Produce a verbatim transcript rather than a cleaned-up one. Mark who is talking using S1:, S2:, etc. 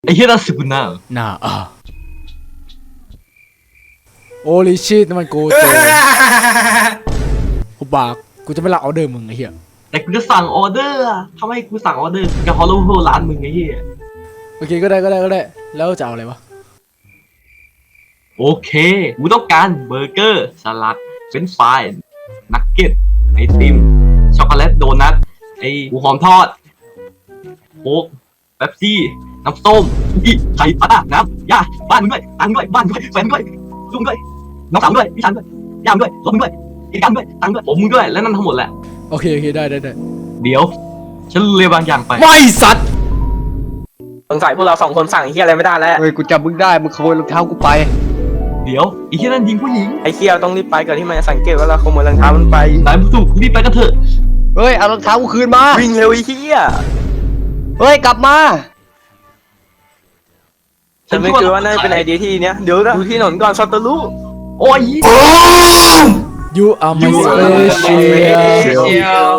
S1: ไอ้เหี้ยน่าสึกน่า
S2: น่าอ่ะโอลิชิตมันโกโจกูบากกูจะไม่รับออเดอร์มึงไอ้เหี้ย
S1: แต่กูจะสั่งออเดอร์อะทำไมกูสั่งออเดอร์กับฮอลโลโฮร้านมึงไอ้เหี้ย
S2: โอเคก็ได้ก็ได้ก็ได้แล้วจะเอาอะไรวะ
S1: โอเคกูต้องการเบอร์เกอร์สลัดเฟรนช์ฟรายนักเก็ตไอติมช็อกโกแลตโดนัทไอหมูหอมทอดโค้กเป๊ปซี่น้ำส้มพี่ไข่ปลาน้ำยาบ้านมึงด้วยตังค์ด้วยบ้านด้วยแฟนด้วยลุงด้วยน้องสาวด้วยพี่ชันด้วยยามด้วยรถมึงด้วยอีกการด้วยตังค์ด้วยผมมึงด้วยและนั่นทั้งหมดแหละ
S2: โอเคโอเคได้ได้ได้
S1: เดี๋ยวฉันเรียบางอย่างไป
S2: ไม่สัตว์
S3: สงสัยพวกเราสองคนสั่งไอ้เฮียอะไรไม่ได้แล้ว
S4: เฮ้ยกูจำมึงได้มึงขโมยรองเท้ากูไป
S1: เดี๋ยวอีกแค่นั้นยิงผู้หญิง
S3: ไอ้เฮียต้องรีบไปก่อนที่มันจะสังเกตว่าเราขโมยรองเท้ามันไป
S1: นายผู้ถูกรีบไปกันเถอะ
S4: เฮ้ยเอารองเท้ากูคืนมา
S3: วิ่งเร็วไอ้เฮีย
S4: เฮ้ยกลับมา
S3: ฉันไม่คิดว่าน่าจะเป็นไอเดียที่เนี้ยเดี๋ยวนะดูที่ถนนก่อนซอตเตอร์ลู
S1: โอ้ย
S2: ยูอาร์มาสเปเชียล